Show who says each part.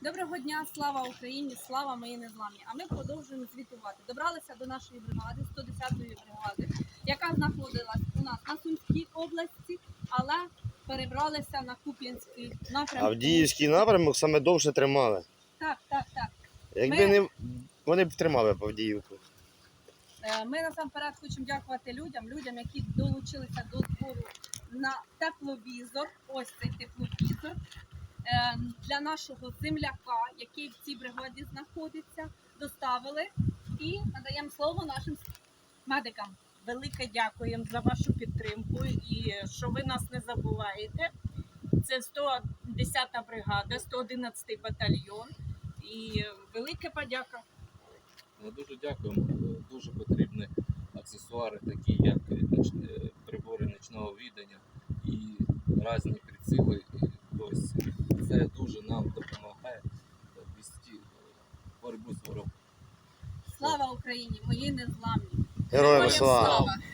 Speaker 1: Доброго дня, слава Україні, слава моїй незламні. А ми продовжуємо звітувати. Добралися до нашої бригади, 110-ї бригади, яка знаходилась у нас на Сумській області, але перебралися на Куп'янський напрямок.
Speaker 2: Авдіївський напрямок саме довше тримали.
Speaker 1: Так.
Speaker 2: Якби не вони б тримали б Авдіївку.
Speaker 1: Ми насамперед хочемо дякувати людям, які долучилися до збору на тепловізор. Ось цей тепловізор. Для нашого земляка, який в цій бригаді знаходиться, доставили і надаємо слово нашим медикам.
Speaker 3: Велике дякуємо за вашу підтримку і що ви нас не забуваєте. Це 110-та бригада, 111-й батальйон і велика подяка.
Speaker 4: Ми дуже дякуємо. Дуже потрібні аксесуари, такі як прибори нічного відання і різні приціли. Це дуже нам допомагає вести боротьбу з ворогом.
Speaker 1: Слава Україні, мої незламні!
Speaker 2: Героям слава!